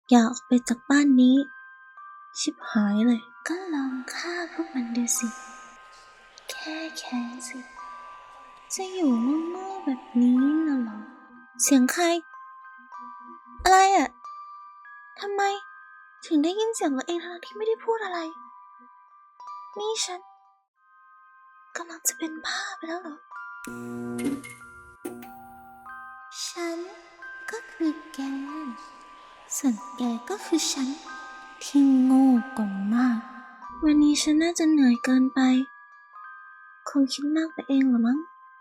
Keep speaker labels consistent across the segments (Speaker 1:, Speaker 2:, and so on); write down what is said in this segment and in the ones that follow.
Speaker 1: อย่าออกไปจากบ้านนี้ชิบหายเลยก็ลองฆ่าพวกมันดูสิแค่แค้นสิจะอยู่โง่ๆแบบนี้น่ะเหรอเสียงใครอะไรอ่ะทำไมถึงได้ยินเสียงตัวเองทั้งที่ไม่ได้พูดอะไรนี่ฉันกำลังจะเป็นบ้าไปแล้วเหรอฉันก็คือแกส่วนแกก็คือฉันที่โง่กว่ามากวันนี้ฉันน่าจะเหนื่อยเกินไปคงคิดมากไปเองเหรอมั้ง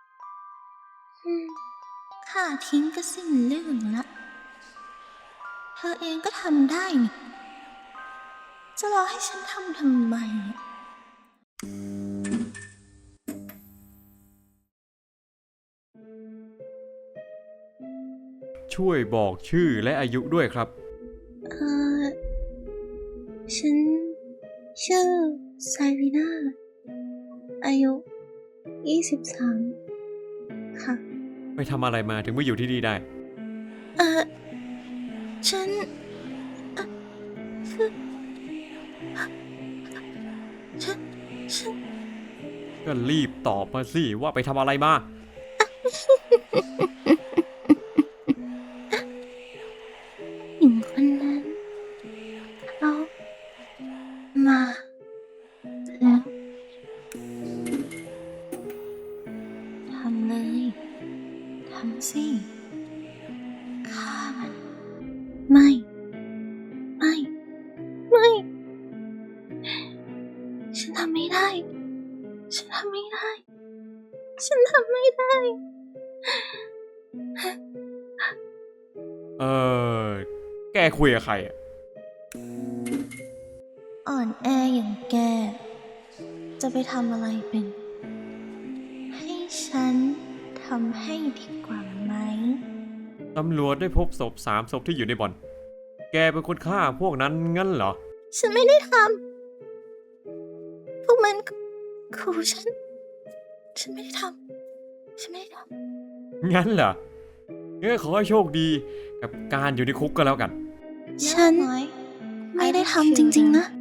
Speaker 1: ข้าทิ้งก็สิ้นเรื่องละเธอเองก็ทำได้นี่จะรอให้ฉันทำไม
Speaker 2: ช่วยบอกชื่อและอายุด้วยครับ
Speaker 1: ฉันชื่อไซรีนาอายุ23ค่ะ
Speaker 2: ไปทำอะไรมาถึงมาอยู่ที่นี่ได้
Speaker 1: ฉันคือฉัน
Speaker 2: ก็รีบตอบมาสิว่าไปทำอะไรมา
Speaker 1: หญิงคนนั้นเขามาแล้วทำเลยทำสิฆ่ามันไม่ฉันทำไม่ได้ฉันทำไม่ได้
Speaker 2: แกคุยกับใครอ่ะ
Speaker 1: อ่อนแออย่างแกจะไปทำอะไรเป็นให้ฉันทำให้ดีกว่าไหม
Speaker 2: ตำรวจได้พบศพ3 ศพที่อยู่ในบ่อนแกเป็นคนฆ่าพวกนั้นงั้นเหรอ
Speaker 1: ฉันไม่ได้ทำพวกมันขู่ฉันไม่ได้ทำ
Speaker 2: งั้นเหรองั้นขอให้โชคดีกับการอยู่ในคุกก็แล้วกัน
Speaker 1: ฉันไม่ได้ทำจริงๆนะ